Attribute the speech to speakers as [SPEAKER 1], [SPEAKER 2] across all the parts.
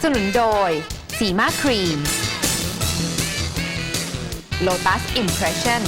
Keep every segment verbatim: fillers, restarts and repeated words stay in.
[SPEAKER 1] สนุนโดยสีมาครีม Lotus Impression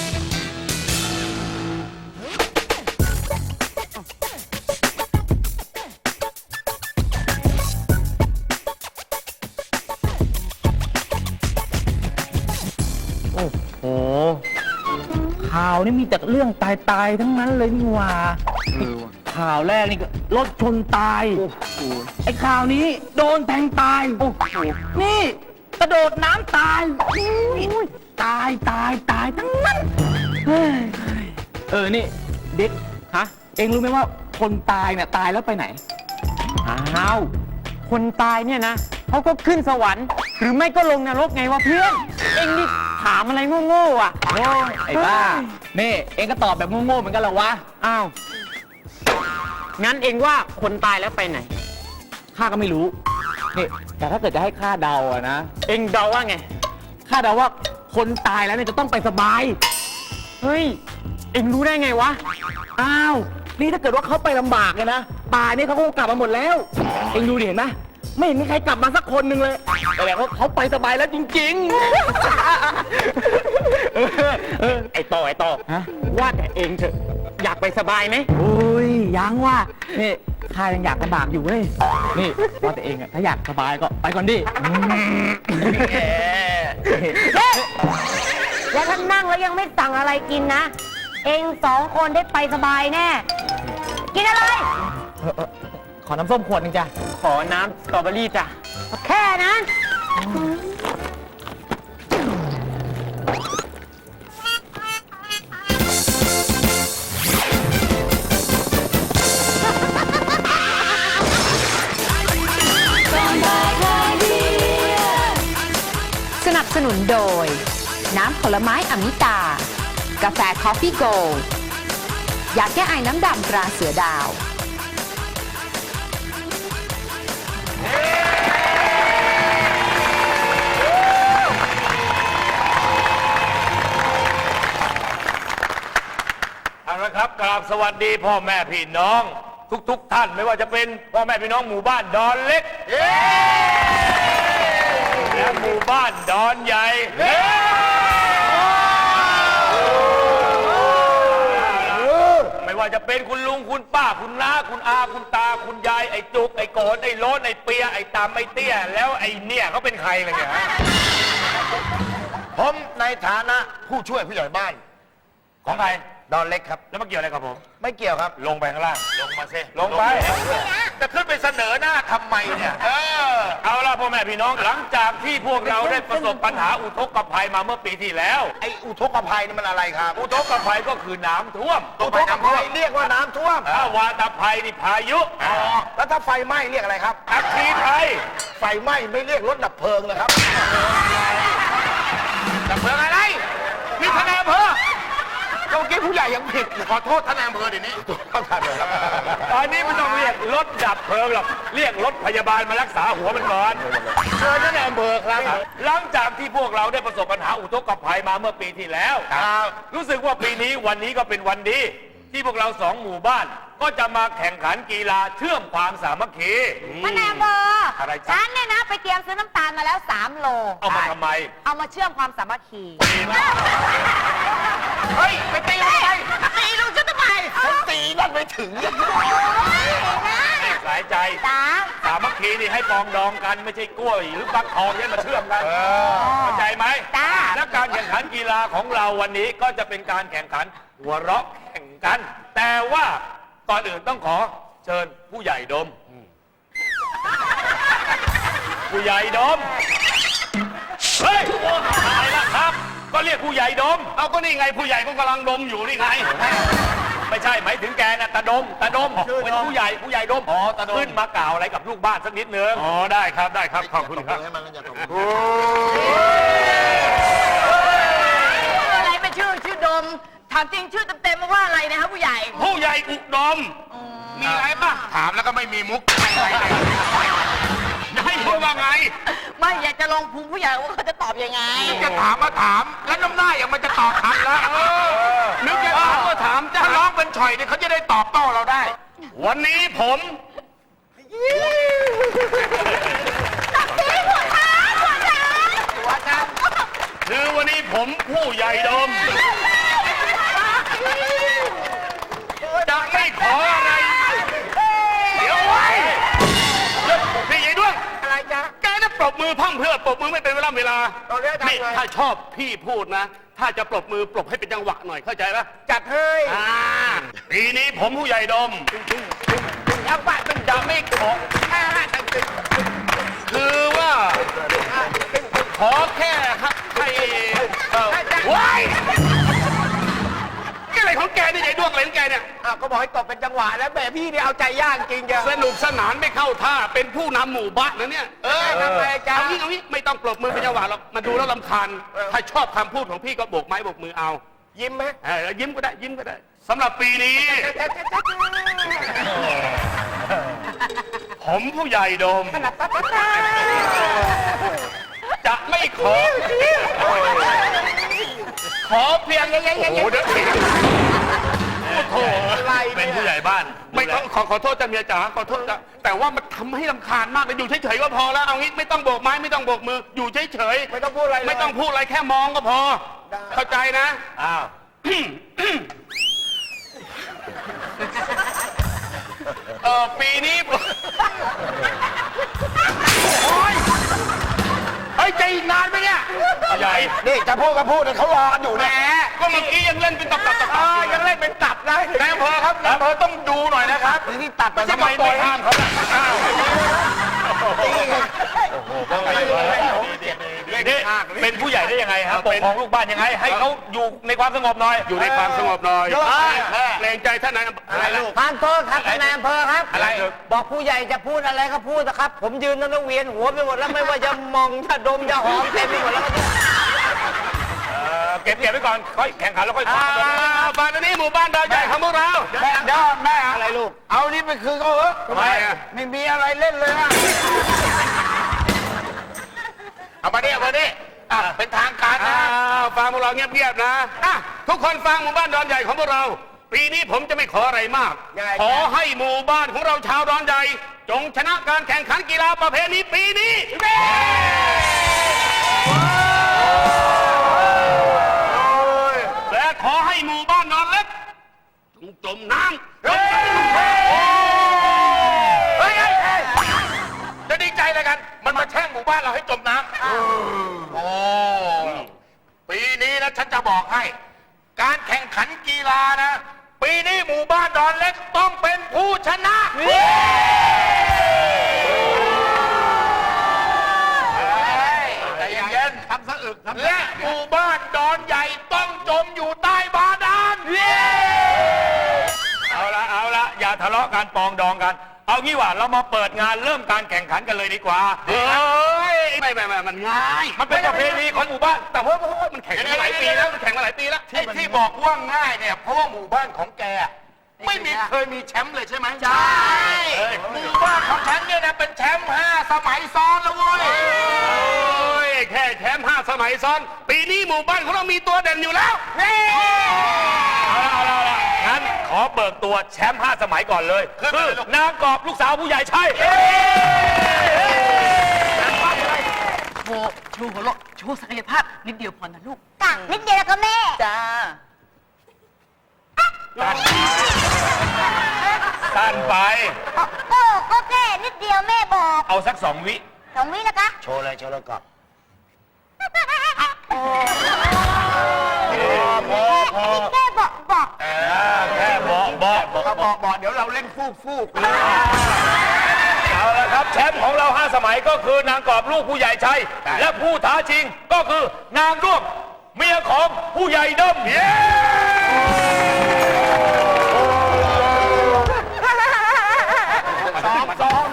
[SPEAKER 2] โอ้โหข่าวนี่มีแต่เรื่องตายตายทั้งนั้นเลยนี่หว่าข่าวแรกนี่ก็รถชนตายไอ้ข่าวนี้โดนแทงตายโอ้โหนี่กระโดดน้ำตายตายตายตายทั้งนั้นเฮ้ยเออนี่เด็กฮะเอ็งรู้ไหมว่าคนตายเนี่ยตายแล้วไปไหนอ้าวคนตายเนี่ยนะเขาก็ขึ้นสวรรค์หรือไม่ก็ลงนรกไงวะเพื่อนเอ็งนี่ถามอะไรโง่ๆอ่ะโง่ไอ้บ้านี่เอ็งก็ตอบแบบโง่ๆเหมือนกันเหรอวะอ้าวงั้นเอ็งว่าคนตายแล้วไปไหนข้าก็ไม่รู้นี่แต่ถ้าเกิดจะให้ข้าเดาอะนะเอ็งเดาว่าไงข้าเดาว่าคนตายแล้วเนี่ยจะต้องไปสบายเฮ้ยเอ็งรู้ได้ไงวะอ้าวนี่ถ้าเกิดว่าเขาไปลำบากเลยนะตายนี่เขาคงกลับมาหมดแล้วเอ็งดูดิเห็นไหมไม่เห็นมีใครกลับมาสักคนหนึ่งเลยแต่แบบว่าเขาไปสบายแล้วจริงๆ เออเออไอ้ต่อไอ้ต่อว่าแต่เองเถอะอยากไปสบายไหมโอ้ยยังว่านี่ข้ายังอยากลำบากอยู่เว้ยนี่ว่าแต่เองอะถ้าอยากสบายก็ไปก่อนดิ
[SPEAKER 3] แล้วถ้านั่งแล้วยังไม่สั่งอะไรกินนะ เองสองคนได้ไปสบายแน่ กินอะไร
[SPEAKER 2] ขอน้ำส้มขวดนึงจ้ะขอน้ำสตรอเบอรี่จ้ะ
[SPEAKER 3] แค่นั้น
[SPEAKER 1] สนับสนุนโดยน้ำผลไม้อมิตา กาแฟคอฟฟี่โกลด์ยาแก้ไอน้ำดำตราเสือดาว
[SPEAKER 4] เอาละครับกราบสวัสดีพ่อแม่พี่น้องทุกๆ ท่านไม่ว่าจะเป็นพ่อแม่พี่น้องหมู่บ้านดอนเล็กและหมู่บ้านดอนใหญ่ไม่ว่าจะเป็นคุณลุงคุณป้าคุณน้าคุณอาคุณตาคุณยายไอ้จุกไอ้โกนไอ้โลนไอ้เปียไอ้ตามไอ้เตี้ยแล้วไอ้เนี่ยเขาเป็นใครเลยเนี่ย
[SPEAKER 5] ผมในฐานะผู้ช่วยผู้ใหญ่บ้าน
[SPEAKER 4] ของใคร
[SPEAKER 5] ดอนเล็กครับ
[SPEAKER 4] แล้วมาเกี่ยวอะไรกับผม
[SPEAKER 5] ไม่เกี่ยวครับ
[SPEAKER 4] ลงไปข้างล่างลงมาซิลงไป
[SPEAKER 5] จะขึ้นไปเสนอหน้าทำไมเนี่ยเออ
[SPEAKER 4] เอาล่ะพ่อแม่พี่น้องหลังจากที่พวกเราได้ประสบปัญหาอุทกภัยมาเมื่อปีที่แล้ว
[SPEAKER 5] ไอ้อุทกภัยนี่มันอะไรครับ
[SPEAKER 4] อุทกภัยก็คือน้ำท่วม
[SPEAKER 5] อุทกภัยเรียกว่าน้ำท่วม
[SPEAKER 4] ถ้าวาตภัยนี่พายุ
[SPEAKER 5] อ๋อแล้วถ้าไฟไหม้เรียกอะไรครับ
[SPEAKER 4] อัคคีภัย
[SPEAKER 5] ไฟไหม้ไม่เรียกรถดับเพลิงเลยครับ
[SPEAKER 4] ดับเพลิงอะไรนี่ท่านนายอำเภอ
[SPEAKER 5] เมื่อกี้ผู้ใหญ่ยังผิดขอโทษท่านนายอำเภอเดี๋ยวนี้เข้าทันเลยครับ
[SPEAKER 4] ตอนนี้ไม่ต้องเรียกรถดับเพลิงหรอกเรียกรถพยาบาลมารักษาหัวมันก่อน
[SPEAKER 5] เชิญท่านนายอำเภอครับ
[SPEAKER 4] หลังจากที่พวกเราได้ประสบปัญหาอุทกภัยมาเมื่อปีที่แล้วรู้สึกว่าปีนี้วันนี้ก็เป็นวันดีที่พวกเราสองหมู่บ้านก็จะมาแข่งขันกีฬาเชื่อมความสามัคคี
[SPEAKER 3] ท่านนายอำเภอฉันเนี่ยนะไปเตรียมซื้อน้ำตาลมาแล้วสามโล
[SPEAKER 4] เอามาทำไม
[SPEAKER 3] เอามาเชื่อมความสามัคคี
[SPEAKER 5] เฮ้ยไปตีทำไมตีลูกฉันทำไมฉันตีนั่นไม่ถึง
[SPEAKER 4] สายใจสามัคคีนี่ให้ปองดองกันไม่ใช่กล้วยหรือฟักทองที่มาเชื่อมกันเข้าใจไหมและการแข่งขันกีฬาของเราวันนี้ก็จะเป็นการแข่งขันหัวเราะแข่งกันแต่ว่าก่อนอื่นต้องขอเชิญผู้ใหญ่ดมผู้ใหญ่ดมเฮ้ยอะไรล่ะครับก็เรียกผู้ใหญ่ดมเอาก็นี่ไงผู้ใหญ่ก็กำลังดมอยู่นี่ไงไม่ใช่หมายถึงแกนะตาดมตาดมเป็นผู้ใหญ่ผู้ใหญ่ดมขึ้นมากล่าวอะไรกับลูกบ้านสักนิดนึงอ๋อได้ครับได้ครับขอบคุณครับ
[SPEAKER 3] อะไรเป็นชื่อชื่อดมถามจริงชื่อเต็มๆว่าอะไรนะครับผู้ใหญ่
[SPEAKER 4] ผู้ใหญ่อุดมมีอะไรป่ะ
[SPEAKER 5] ถามแล้วก็ไม่มีมุก
[SPEAKER 4] ให้พูดว่าไง
[SPEAKER 3] ไม่อยากจะลองภูมิผู้ใหญ่ว่าเขาจะตอบยังไง
[SPEAKER 5] จะถามมาถามแล้วน้ำหน้าอย่างมันจะตอบทันแล้วนึกจะถามก็ถามถ้าร้องเป็นฉ่อยเนี่ยเขาจะได้ตอบโต้เราได้
[SPEAKER 4] วันนี้ผมผมผู้ใหญ่ดม จะไม่ขออะไร เดี๋ยวไว้พี่ใหญ่ด้วง
[SPEAKER 5] อะไรจ๊ะ
[SPEAKER 4] แกน่ะปรบมือพร่ำเพรื่อปรบมือไม่เป็นเวลาเวลา
[SPEAKER 5] เอาเรื่องทำไง
[SPEAKER 4] นี่ถ้าชอบพี่พูดนะ ถ้าจะปรบมือปรบให้เป็นจังหวะหน่อยเข้าใจปะ
[SPEAKER 5] จัดให้
[SPEAKER 4] อ่าปีนี้ผมผู้ใหญ่ดม
[SPEAKER 5] ยังบ้านเป็น
[SPEAKER 4] จะไม่ขอ คือว่า ขอแค่ให้เออว้ายแกอะไรของแกนี่ใหญ่ด้วงอะไรของแกเนี่ย
[SPEAKER 5] อ้าวก็บอกให้ตบเป็นจังหวะแล้วแม่พี่เนี่ยเอาใจยากจริงจ้ะ
[SPEAKER 4] สนุกสนานไม่เข้าท่าเป็นผู้นำหมู่บ้านนะเนี่ย
[SPEAKER 5] เออทำไมจ๊ะ
[SPEAKER 4] เอางี้เอางี้ไม่ต้องปรบมือเป็นจังหวะหรอกมาดูแล้วลำคาญ
[SPEAKER 5] เออ
[SPEAKER 4] ถ้าชอบคำพูดของพี่ก็โบกไม้โบกมือเอา
[SPEAKER 5] ยิ้มไหม
[SPEAKER 4] เออยิ้มก็ได้ยิ้มก็ได้สำหรับปีนี้ ผมผู้ใหญ่โดม จะไม่ขอ ขอเพียงโอ้โหเดี๋ยวโอ้โหเป็นผู้ใหญ่บ้าน ไม่ต้องขอขอโทษจ้าเมียจ๋าขอโทษจ้าแต่ว่ามันทำให้รำคาญมากเลยอยู่เฉยๆก็พอแล้วเอางี้ไม่ต้องโบกไม้ไม่ต้องโบกมืออยู่เฉยๆ
[SPEAKER 5] ไม่ต้องพูดอะไรเลย
[SPEAKER 4] ไม่ต้องพูดอะไรแค่มองก็พอ
[SPEAKER 5] ได้
[SPEAKER 4] เข้าใจนะอ้าวเออปีนี้โอ้ยเฮ้ยใจอีกนานไหมเนี่ยใหญ่
[SPEAKER 5] นี่จะพูดก็พูดเลยเขารออยู่
[SPEAKER 4] แหม
[SPEAKER 5] นะ
[SPEAKER 4] ก็เมื่อกี้ยังเล่นเป็นตับตับตับ
[SPEAKER 5] เออยังเล่นเป็นตับนะ
[SPEAKER 4] นายอำเภอครับนายอำเภอต้องดูหน่อยนะครับ
[SPEAKER 5] นี่ตัดไป
[SPEAKER 4] ไม่ใช่
[SPEAKER 5] ทำไม
[SPEAKER 4] มาปล่อยห้ามเขาอ้าวนี่เป็นผู้ใหญ่ได้ยังไงครับปกครองลูกบ้านยังไง ให้เขาอยู่ในความสงบหน่อย อยู่ในความสงบหน่อยเกรงใจท่านนายอะไรลูก
[SPEAKER 3] ทานโทษครับนายอำเภอครับ
[SPEAKER 4] อะไร
[SPEAKER 3] บอกผู้ใหญ่จะพูดอะไรก็พูดนะครับ ผมยืนนั่งเวียนหัวไปหมดแล้วไม่ว่าจะมองจะดมจะหอมเต็มไปหมดแล้ว
[SPEAKER 4] เก็บเก็บไว้ก่อนค่อยแข่งขันแล้วค่อยฟังบ้านนี้หมู่บ้านดาวใหญ่ของพวกเรา
[SPEAKER 5] แม่เดี๋ยวแม่อะไรลูก เอานี่ไปคืนเขาเหรอ
[SPEAKER 4] ทำไมอ่ะ
[SPEAKER 5] ไม่มีอะไรเล่นเลยอะเอามาดิเอามาดิอ่ะเป็นทางการนะ
[SPEAKER 4] ฟังพวกเราเงียบๆนะอ่ะทุกคนฟังหมู่บ้านดอนใหญ่ของพวกเรา ปีนี้ผมจะไม่ขออะไรมาก
[SPEAKER 5] ยังไง
[SPEAKER 4] ขอให้หมู่บ้านของเราชาวดอนใหญ่ จงชนะการแข่งขันกีฬาประเภทนี้ปีนี้และขอให้หมู่บ้านดอนเล็กจงจมน้ำ
[SPEAKER 5] เฮ้ยเฮ้ยเฮ้ยจะดีใจอะไรกัน มันมาแช่งหมู่บ้านเราให้จมน้ำโอ้ปีนี้นะฉันจะบอกให้ การแข่งขันกีฬานะ ปีนี้หมู่บ้านดอนเล็กต้องเป็นผู้ชนะใจเย็นๆทำสะอึกและหมู่บ้านดอนใหญ่ต้องจมอยู่ใต้บาดาล
[SPEAKER 4] เอาละเอาละอย่าทะเลาะกันปองดองกัน เอางี้ว่าเรามาเปิดงานเริ่มการแข่งขันกันเลยดีกว่าเฮ้ยไม่ไม่ไม่มันง่าย มันเป็นประเพณีของหมู่บ้านแต่ว่ามันแข่งมาหลายปีแล้วมันแข่งมาหลายปีแล้ว
[SPEAKER 5] ไอ้ที่บอกว่าง่ายเนี่ยเพราะว่าหมู่บ้านของแกอะไม่มีเคยมีแชมป์เลยใช่ไหมใช่หมู่บ้านของฉันเนี่ยนะเป็นแชมป์ห้าสมัยซ้อนแล้วเว้ย
[SPEAKER 4] โอ้ยแค่แชมป์ห้าสมัยซ้อน ปีนี้หมู่บ้านของเรามีตัวเด่นอยู่แล้วเอาละเอาละเอาละงั้นขอเบิกตัวแชมป์ห้าสมัยก่อนเลย คือนางกอบลูกสาวผู้ใหญ่ใช่
[SPEAKER 6] โชว์โชว์หัวเราะโชว์ศักยภาพนิดเดียวพอนะลูก
[SPEAKER 7] ต่างนิดเดียวแล้วก็แม่
[SPEAKER 6] จ้า
[SPEAKER 4] สั้นไป
[SPEAKER 7] โอ้ก็แค่นิดเดียวแม่บอก
[SPEAKER 4] เอาสักสองวิ
[SPEAKER 7] สองวินะคะ
[SPEAKER 5] โชว์เลยโชว์เลยก่อน
[SPEAKER 7] แค่บอกบอก
[SPEAKER 4] แค่บอกบอกบอก
[SPEAKER 5] ถ้าบอกบอกเดี๋ยวเราเล่นฟูกฟูก
[SPEAKER 4] เอาละครับแชมป์ของเราห้าสมัยก็คือนางกอบลูกผู้ใหญ่ชัยและผู้ท้าชิงก็คือนางด้วงเมียของผู้ใหญ่ดมเย้สองสอง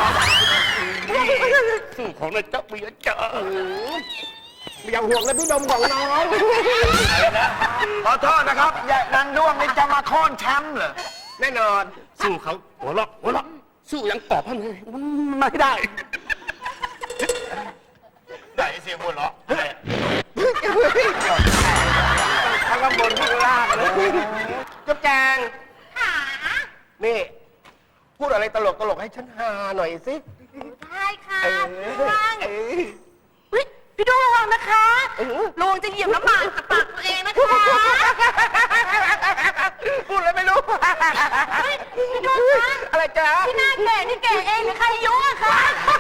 [SPEAKER 4] สู้ของนายเจ้าเมียเจ้า
[SPEAKER 5] อย่าห่วงเลยพี่ดมของน้องขอโทษนะครับอย่านางด้วงนี่จะมาโค่นแชมป์เหรอแน่นอน
[SPEAKER 4] สู้เขาหัวเราะหัวเราะสู้ยังกอบพันเลยมันไม่ได้
[SPEAKER 5] ไหนเสียงหัวเราะทั้งข้างบนข้างล่างเลยจุ๊บแจงนี่ พูดอะไรตลกตลกๆให้ฉันฮาหน่อยสิ
[SPEAKER 7] ได้ค่ะ
[SPEAKER 5] เออ
[SPEAKER 7] ฟัง
[SPEAKER 5] เออ
[SPEAKER 6] เฮ้ย พพี่ดูระวังนะคะระวังจะเหยียบน้ำหมากกับปากตัวเองนะคะ
[SPEAKER 2] พูดอะไรไม่รู้
[SPEAKER 6] พี่ดูคะ
[SPEAKER 2] อะไรจ๊ะ
[SPEAKER 6] พี่หน้าแก่นี่แก่เองหรือใครยุ่งอะคะ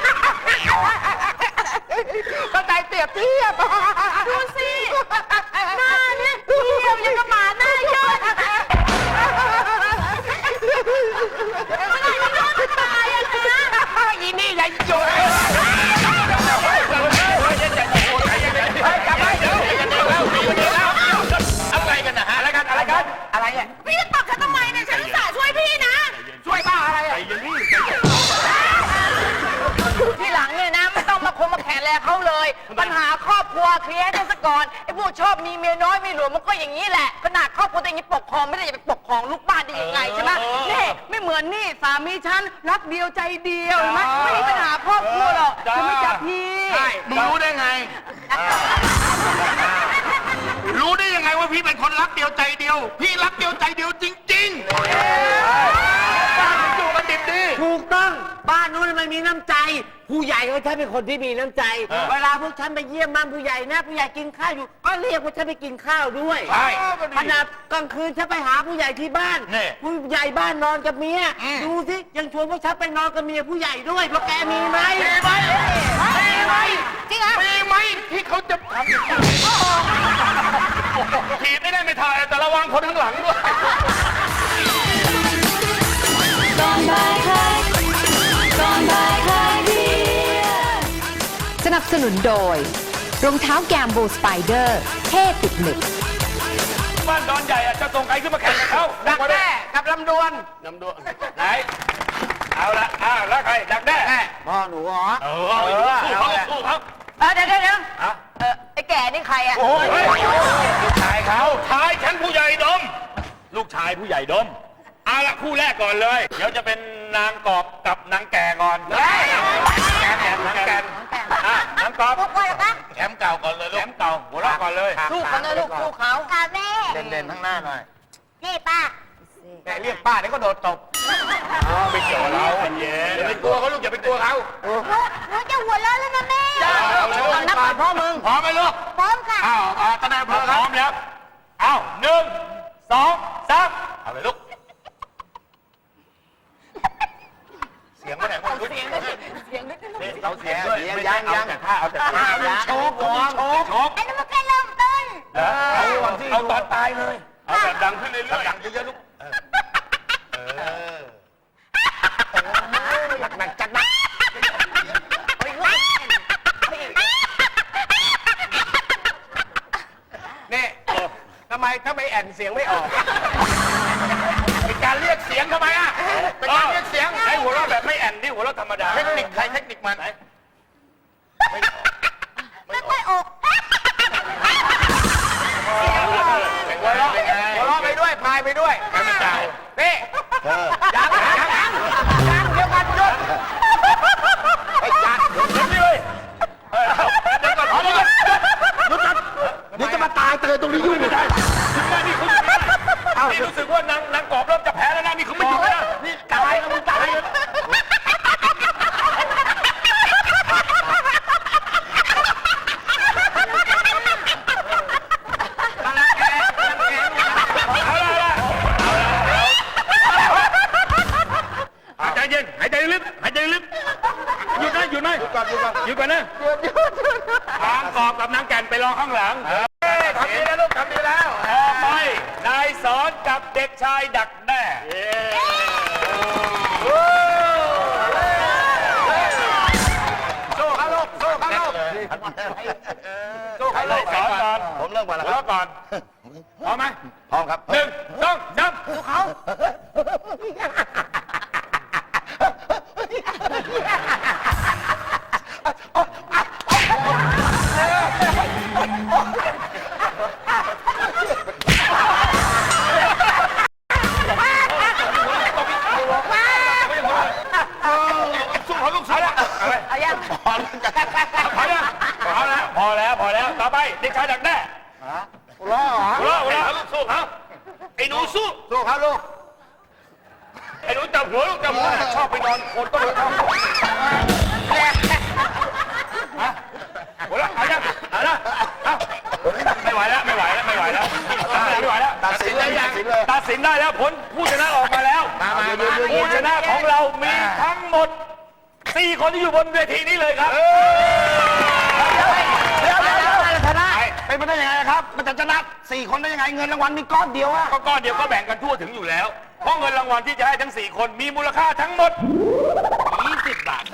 [SPEAKER 2] ก็ใจเปรียบเทียบ
[SPEAKER 6] ดูสิหน้าเนี่ยเหี่ยวยังกับหมาหน้าย่นเมื่อไหร่พี่ดูจะตายอะคะ
[SPEAKER 2] อีนี่ใหญ่โยนจับไปเดี๋ยว
[SPEAKER 5] อะไรกันนะฮะอะไรกันอะไรกัน
[SPEAKER 2] อะไรอ่ะ
[SPEAKER 6] พี่จะตบฉันทำไมเนี่ยฉันอุตส่าห์ช่วยพี่นะ
[SPEAKER 2] ช่วยบ้าอะไรอ่ะ
[SPEAKER 6] ทีหลังเนี่ยนะไม่ต้องมาคมมาแข่แลเขาเลย ปัญหาครอบครัวเคลียร์ให้ได้ซะก่อนไอ้พวกชอบมีเมียน้อยมีหลวงมันก็อย่างนี้แหละขนาดครอบครัวตัวเองยังปกครองไม่ได้จะไปปกครองลูกบ้านได้ยังไงใช่ไหมนี่ไม่เหมือนนี่สามีฉันรักเดียวใจเดียวเห็นไหมไม่มีปัญหาครอบครัวหรอกใช่ไหมจ๊ะพี่
[SPEAKER 5] มึงรู้ได้ไง รู้ได้ยังไงว่าพี่เป็นคนรักเดียวใจเดียว พี่รักเดียวใจเดียวจริงๆบ้านมันอยู่กันดิบดี
[SPEAKER 8] ถูกต้องบ้านนู้นมันมีน้ำใจ ผู้ใหญ่ของฉันเป็นคนที่มีน้ำใจ เวลาพวกฉันไปเยี่ยมบ้านผู้ใหญ่นะผู้ใหญ่กินข้าวอยู่ ก็เรียกพวกฉันไปกินข้าวด้วย
[SPEAKER 5] ใช่
[SPEAKER 8] ขนาดกลางคืนฉันไปหาผู้ใหญ่ที่บ้าน
[SPEAKER 5] นี่
[SPEAKER 8] ผู้ใหญ่บ้านนอนกับเมีย
[SPEAKER 5] อืม
[SPEAKER 8] ดูสิยังชวนพวกฉันไปนอนกับเมียผู้ใหญ่ด้วยเพราะแกมีไหม
[SPEAKER 5] มีไหมมีไหม
[SPEAKER 6] จริงเหรอ
[SPEAKER 5] มีไหมที่เขาจะทำอย่างนี้ถีบไม่ได้ไม่ถ่ายแต่ระวังคนข้างหลังด้วย
[SPEAKER 1] สนับสนุนโดย รองเท้าแกมโบสไปเดอร์เท่ติดหนึบ
[SPEAKER 4] บ้านดอนใหญ่อะจะส่งใครขึ้นมาแข่งกับเขา
[SPEAKER 2] ดักแด้กับลำดวน
[SPEAKER 4] นำด้วยไหนเอาละอ้าวแล้วใครดักแด้
[SPEAKER 8] พ่อหนูเหรอ
[SPEAKER 4] เออสู้เขาสู้เขา
[SPEAKER 6] เออเดี๋ยวเดี๋ยวเดี๋ยว
[SPEAKER 4] อะ
[SPEAKER 6] เออไอ้แก่นี่ใครอะ
[SPEAKER 4] โอ้ยลูกชายเขาชายฉันผู้ใหญ่ดม ลูกชายผู้ใหญ่ดมเอาละคู่แรกก่อนเลย เดี๋ยวจะเป็นนางกอบกับนางแก่ก่อนแก่แก่นางแก่นอ่ะนางกอบ
[SPEAKER 7] พวกก่อนเหรอคะ
[SPEAKER 5] แคมป์เก่าก่อนเลย
[SPEAKER 4] แหล
[SPEAKER 5] ลูก
[SPEAKER 4] มเก่าหัวเราะก่อนเลย
[SPEAKER 6] สู้เขาเลยลูกสู้เขา
[SPEAKER 7] ค่ะแม่
[SPEAKER 5] เด่นๆทั้งหน้าหน่อย
[SPEAKER 7] นี่ป้า
[SPEAKER 2] แกเรียกป้าเดี๋ยวก็โดดตบ
[SPEAKER 4] ไม่เกี่ยวเราเย็
[SPEAKER 5] อย่าไปกลัวเขาลูกอย่าไปกลัวเขา
[SPEAKER 7] หนูหนูจะหัวเราะแล้วนะแม่
[SPEAKER 5] เอาเลย
[SPEAKER 6] เอานับก่อนพ่อมึง
[SPEAKER 5] พร้อมไหมลูก
[SPEAKER 7] พร้อมค่ะ
[SPEAKER 5] อ้าวอ่าตะนายอำ
[SPEAKER 4] พ
[SPEAKER 5] เภอครั
[SPEAKER 4] ร้
[SPEAKER 5] บ
[SPEAKER 4] อมแล้วเอาหนึ่งสองสาม
[SPEAKER 5] เอาเลยลูก เสียงไม่ไหนมัน
[SPEAKER 6] เสียงด้วยเสียงด้วย
[SPEAKER 4] นี่เราเสียงด้วย
[SPEAKER 2] ยัง
[SPEAKER 4] ไม่
[SPEAKER 2] ยั
[SPEAKER 4] ใช่
[SPEAKER 2] ง
[SPEAKER 4] เอา
[SPEAKER 2] ยัง
[SPEAKER 4] แต่ท่าเอาแต่ท่า
[SPEAKER 2] โชว์ก่อนโชว์
[SPEAKER 4] ชก
[SPEAKER 7] อันนี้มันแค่เริ่มต้น
[SPEAKER 4] เอาเอาตอนตายเลย เอาแบบดังขึ้นเรื่อยๆ
[SPEAKER 5] ดังเยอะๆลูก เออ
[SPEAKER 2] หนักจัดหนักนี่ทำไมถ้าไม่แอนเสียงไม่ออก
[SPEAKER 5] เป็นการเรียกเสียงทำไมอ่ะ เป็นการเรียกเสียง
[SPEAKER 4] ใช้หัวเราะแบบไม่แอนนี่หัวเราะธรรมดา
[SPEAKER 5] เทคนิคใครเทคนิคมัน
[SPEAKER 7] ไม่ค่อยออก
[SPEAKER 5] เป็น
[SPEAKER 2] หัวเราะ
[SPEAKER 5] ไง
[SPEAKER 2] หัวเราะไปด้วยพายไปด้วย
[SPEAKER 5] ไม่เป็นไร
[SPEAKER 2] นี่ยังยังยังยังเดี๋ยวกันหยุดไอ้ยัด
[SPEAKER 4] นี่เลยเฮ้ยเดี๋ยวก่อนเดี๋ยวก่อน
[SPEAKER 2] หยุดกันเดี๋ยวจะมาตายเตยตรงนี้ยุ่งไม่ได้
[SPEAKER 4] ถึงแม้นี่คุณอยู่นะนี่รู้สึกว่านางนางกอบเริ่มจะแพ้แล้วนะนี่เขาไม่อยู่นะ
[SPEAKER 2] นี่ตายแล้วมึงตาย
[SPEAKER 4] เอาละเอาละหายใจเย็นหายใจลึกหายใจลึกหยุดนะหยุดนะหยุดก่อนหยุดก่อนหยุดก่อนนะนางกอบกับนางแก่นไปรอข้างหลัง
[SPEAKER 2] ทำดีแล้วลูกทำดีแล้ว
[SPEAKER 4] ต่อไปนายสอนกับเด็กชายดักแด้
[SPEAKER 2] สู้เขาลูกสู้เขาลูกสู้เขา
[SPEAKER 4] เล
[SPEAKER 2] ลู
[SPEAKER 4] ย
[SPEAKER 2] ก
[SPEAKER 4] สอนก่อน
[SPEAKER 5] ผมเริ่มก่อนแล้ว
[SPEAKER 4] หั
[SPEAKER 5] คว รับ
[SPEAKER 4] เราะก่อนพร้อมไหม
[SPEAKER 5] พร้อมครับ
[SPEAKER 4] หนึ่งสองสาม
[SPEAKER 5] สู้เขาลูกสู้แล้ว
[SPEAKER 6] เอายัง
[SPEAKER 4] พอแล้วพอแล้วพอแล้วพอแล้วต่อไปเด็กชายดักแด้
[SPEAKER 2] หัวเราะเหรอ
[SPEAKER 4] หัวเราะหัวเราะลูกสู้เขาไอ้หนูสู้
[SPEAKER 2] สู้เขาลูก
[SPEAKER 4] ไอ้หนูจับหัวลูกจับหัวชอบไปนอนโคนต้นไม้หัวเราะเอายังเอาละเอาไม่ไหวแล้วไม่ไหวแล้วไม่ไหวแล้วไม่ไหวแล้ว
[SPEAKER 5] ตัดสินได้ยัง
[SPEAKER 4] ตัดสินได้แล้วผลผู้ชนะออกมาแล้ว
[SPEAKER 5] มามามา
[SPEAKER 4] ผู้ชนะของเรามีทั้งหมดสี่คนที่อยู่บนเวทีนี้เลยครับ
[SPEAKER 8] เดี๋ยวเดี๋ยวเดี๋ยวชนะเป็นไปได้ยังไงครับ มันจะชนะสี่คนได้ยังไงเงินรางวัลมีก้อนเดียวอะ
[SPEAKER 4] ก็ก้อนเดียวก็แบ่งกันทั่วถึงอยู่แล้ว เพราะเงินรางวัลที่จะให้ทั้งสี่คนมีมูลค่าทั้งหมดยี่สิบบาท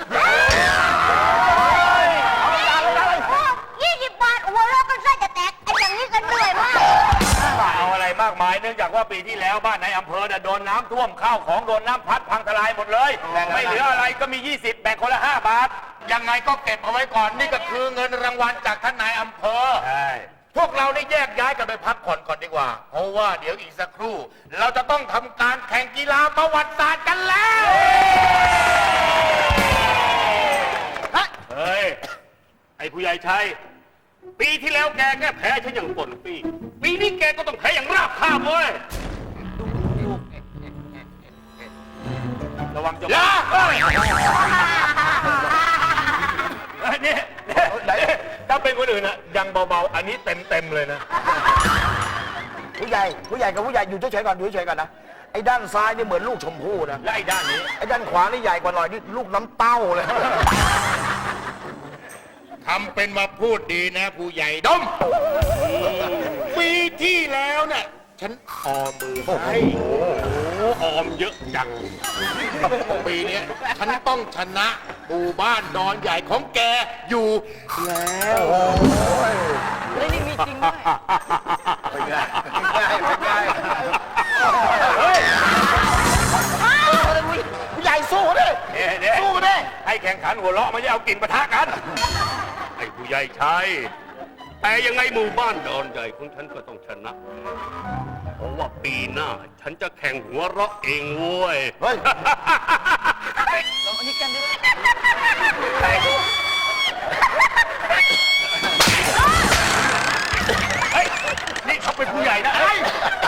[SPEAKER 7] ยี่สิบบาทหัวเราะกันไส้จะแตกไอ้อย่างนี้กันเหนื่อยมาก
[SPEAKER 4] เอาอะไรมากมายเนื่องจากว่าปีที่แล้วบ้านในอำเภอน่ะโดนน้ำท่วมข้าวของโดนน้ำพัดพังทลายหมดเลย ไม่เหลืออะไรก็มียี่สิบแบ่งคนละห้าบาท
[SPEAKER 5] ยังไงก็เก็บเอาไว้ก่อนนี่ก็คือเงินรางวัลจากท่านนายอำเภอ
[SPEAKER 4] ใช่
[SPEAKER 5] พวกเราได้แยกย้ายกันไปพักผ่อนก่อนดีกว่า เพราะว่าเดี๋ยวอีกสักครู่ เราจะต้องทำการแข่งกีฬาประวัติศาสตร์กันแล้ว
[SPEAKER 4] เฮ้ย ไอ้ผู้ใหญ่ชัย ปีที่แล้วแกแค่แพ้ฉันอย่างปนปี ปีนี้แกก็ต้องแพ้อย่างราบคาบเว้ย ระวังจะ
[SPEAKER 5] อย่า
[SPEAKER 4] เฮ้ยนี่ถ้าเป็นคนอื่นอะยังเบาๆ อันนี้เต็มๆเลยนะ
[SPEAKER 8] ผู้ใหญ่ผู้ใหญ่กับผู้ใหญ่อยู่เฉยๆก่อนอยู่เฉยๆก่อนนะไอ้ด้านซ้ายนี่เหมือนลูกชมพู่นะ
[SPEAKER 4] และไอ้ด้านนี้
[SPEAKER 8] ไอ้ด้านขวานี่ใหญ่กว่าหน่อยนี่ลูกน้ำเต้าเลย
[SPEAKER 5] ทำเป็นมาพูดดีนะ ผู้ใหญ่ดม ปีที่แล้วเนี่ยฉันออมมือให้
[SPEAKER 4] โอ้ออมเยอะจัง
[SPEAKER 5] ปีเนี้ยฉันต้องชนะหมู่บ้านดอนใหญ่ของแกอยู่แล้ว
[SPEAKER 6] เฮ้ยนี่มีจริงด้วย
[SPEAKER 4] เฮ้ย
[SPEAKER 8] ผู้ใหญ่สู้ดิ
[SPEAKER 4] เดี๋ยวเดี๋ยว
[SPEAKER 8] สู้ดิ
[SPEAKER 4] ให้แข่งขันหัวเราะไม่ใช่เอากลิ่นปะทะกัน ไอ้ผู้ใหญ่ชัย แต่ยังไงหมู่บ้านดอนใหญ่ของฉันก็ต้องชนะ เพราะว่าปีหน้าฉันจะแข่งหัวเราะเองเว้ย
[SPEAKER 8] เฮ้ย
[SPEAKER 6] ลองอันนี้กันดิ
[SPEAKER 4] เฮ้ย นี่เขาเป็นผู้ใหญ่นะเฮ้ย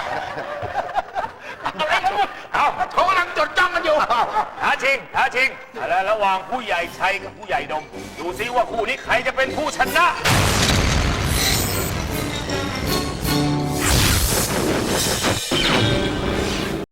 [SPEAKER 4] อะไรกันวะเอา
[SPEAKER 5] เขากำลังจดจ้องกันอยู่
[SPEAKER 4] ท้าชิงท้าชิงแล้วระหว่างผู้ใหญ่ชัยกับผู้ใหญ่ดม ดูซิว่าคู่นี้ใครจะเป็นผู้ชนะ
[SPEAKER 5] เ